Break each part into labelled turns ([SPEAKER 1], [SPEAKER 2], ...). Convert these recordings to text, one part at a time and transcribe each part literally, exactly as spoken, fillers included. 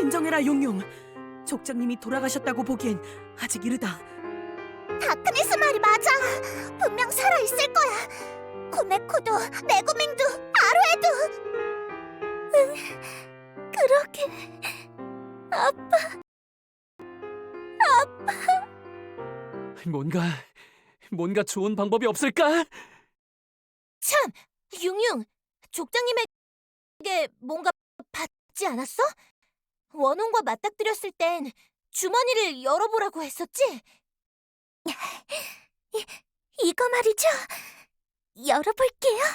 [SPEAKER 1] 진정해라, 용용. 족장님이 돌아가셨다고 보기엔 아직 이르다.
[SPEAKER 2] 다크니스 말이 맞아. 분명 살아있을 거야. 코메코도, 메구밍도, 아루에도. 응, 그러게. 아빠.
[SPEAKER 3] 뭔가 뭔가 좋은 방법이 없을까?
[SPEAKER 2] 참, 융융. 족장님에게 뭔가 받지 않았어? 원혼과 맞닥뜨렸을 땐 주머니를 열어보라고 했었지? 이, 이거 말이죠. 열어볼게요.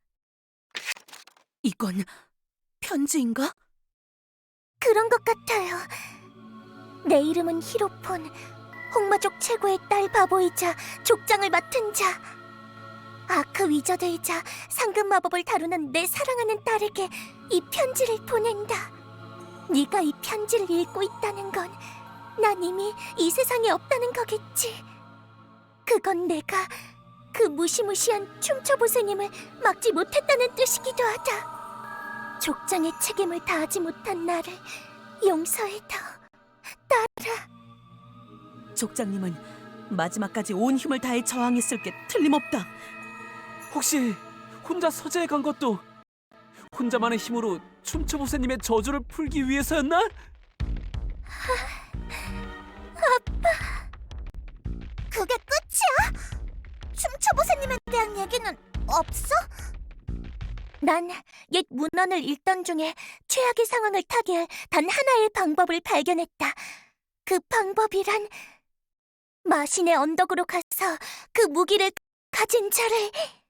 [SPEAKER 1] 이건 편지인가?
[SPEAKER 2] 그런 것 같아요. 내 이름은 히로폰. 홍마족 최고의 딸 바보이자 족장을 맡은 자. 아크 위저드이자 상급 마법을 다루는 내 사랑하는 딸에게 이 편지를 보낸다. 네가 이 편지를 읽고 있다는 건 난 이미 이 세상에 없다는 거겠지. 그건 내가 그 무시무시한 춤춰보세님을 막지 못했다는 뜻이기도 하다. 족장의 책임을 다하지 못한 나를 용서해줘, 딸아.
[SPEAKER 1] 족장님은 마지막까지 온 힘을 다해 저항했을 게 틀림없다.
[SPEAKER 3] 혹시 혼자 서재에 간 것도 혼자만의 힘으로 춤추보세님의 저주를 풀기 위해서였나?
[SPEAKER 2] 그게 끝이야? 춤춰보세님에 대한 얘기는 없어? 난 옛 문헌을 읽던 중에 최악의 상황을 타개할 단 하나의 방법을 발견했다. 그 방법이란 마신의 언덕으로 가서 그 무기를 가진 자를...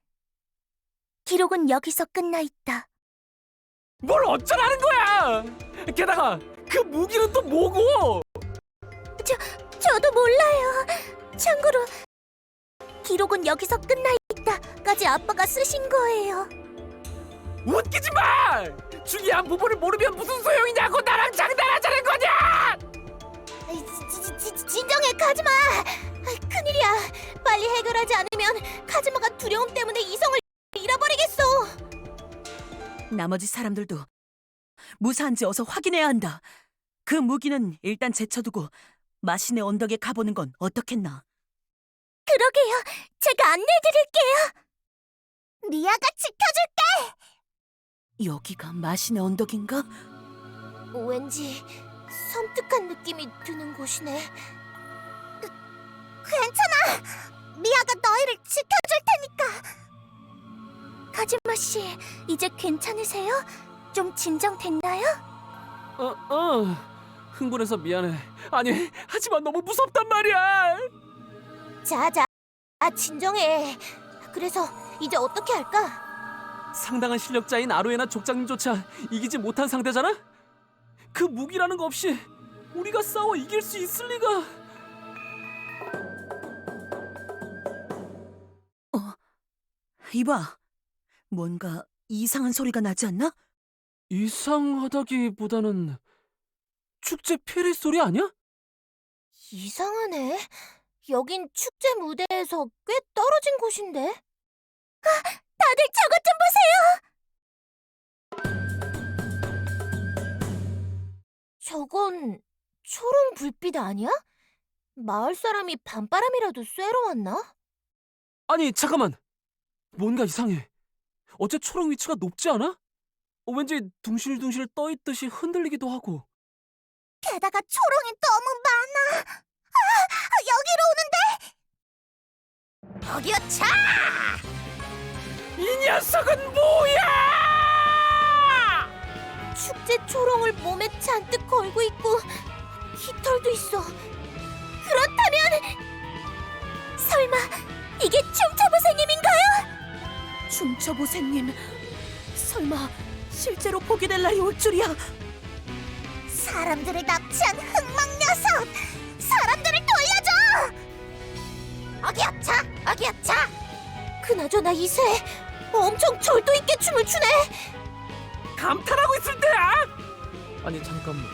[SPEAKER 2] 기록은 여기서 끝나 있다.
[SPEAKER 3] 뭘 어쩌라는 거야! 게다가 그 무기는 또 뭐고?
[SPEAKER 2] 저, 저도 몰라요. 참고로 기록은 여기서 끝나 있다까지 아빠가 쓰신 거예요.
[SPEAKER 3] 웃기지 마! 중요한 부분을 모르면 무슨 소용이냐고 나랑 장난하자는 거냐!
[SPEAKER 2] 지, 지, 지, 진정해, 카즈마! 큰일이야. 빨리 해결하지 않으면 카즈마가 두려움 때문에 이성을 잃어버리겠어.
[SPEAKER 1] 나머지 사람들도 무사한지 어서 확인해야 한다. 그 무기는 일단 제쳐두고 마신의 언덕에 가보는 건 어떻겠나?
[SPEAKER 2] 그러게요. 제가 안내해드릴게요. 미아가 지켜줄게.
[SPEAKER 1] 여기가 마신의 언덕인가?
[SPEAKER 2] 왠지 섬뜩한 느낌이 드는 곳이네. 괜찮아. 미아가 너희를 지켜줄 테니까. 카즈마 씨, 이제 괜찮으세요? 좀 진정됐나요?
[SPEAKER 3] 어, 어. 흥분해서 미안해. 아니, 하지만 너무 무섭단 말이야.
[SPEAKER 2] 자자, 아 진정해. 그래서 이제 어떻게 할까?
[SPEAKER 3] 상당한 실력자인 아루에나 족장님조차 이기지 못한 상대잖아? 그 무기라는 거 없이 우리가 싸워 이길 수 있을 리가.
[SPEAKER 1] 어, 이봐. 뭔가 이상한 소리가 나지 않나?
[SPEAKER 3] 이상하다기보다는 축제 피리 소리 아니야?
[SPEAKER 2] 이상하네. 여긴 축제 무대에서 꽤 떨어진 곳인데. 아, 다들 저것 좀 보세요. 저건 초롱 불빛 아니야? 마을 사람이 밤바람이라도 쐬러 왔나?
[SPEAKER 3] 아니, 잠깐만. 뭔가 이상해. 어째 초롱 위치가 높지 않아? 어, 왠지 둥실둥실 떠있듯이 흔들리기도 하고.
[SPEAKER 2] 게다가 초롱이 너무 많아. 아, 여기로 오는데. 저기요, 차!
[SPEAKER 3] 이 녀석은 뭐야!
[SPEAKER 2] 축제 초롱을 몸에 잔뜩 걸고 있고 깃털도 있어. 그렇다면 설마 이게 춤춰보세님인가요?
[SPEAKER 1] 춤춰보세님, 설마 실제로 보게 될 날이 올 줄이야.
[SPEAKER 2] 사람들을 납치한 흑막 녀석! 사람들을 돌려줘! 어기야 차! 어기야 차! 그나저나 이새 엄청 절도 있게 춤을 추네.
[SPEAKER 3] 감탄하고 있을 때야! 아니, 잠깐만.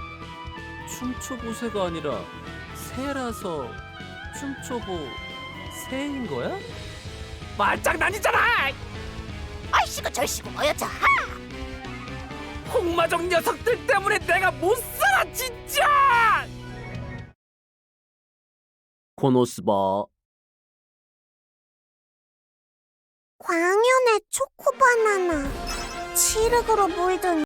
[SPEAKER 3] 춤초보새가 아니라 새라서 춤초보 새인 거야? 말장난이잖아!
[SPEAKER 2] 아이씨고 절씨고 어여자 하!
[SPEAKER 3] 홍마족 녀석들 때문에 내가 못 살아 진짜! 코노스바.
[SPEAKER 2] 광연의 초코바나나. 칠흑으로 물든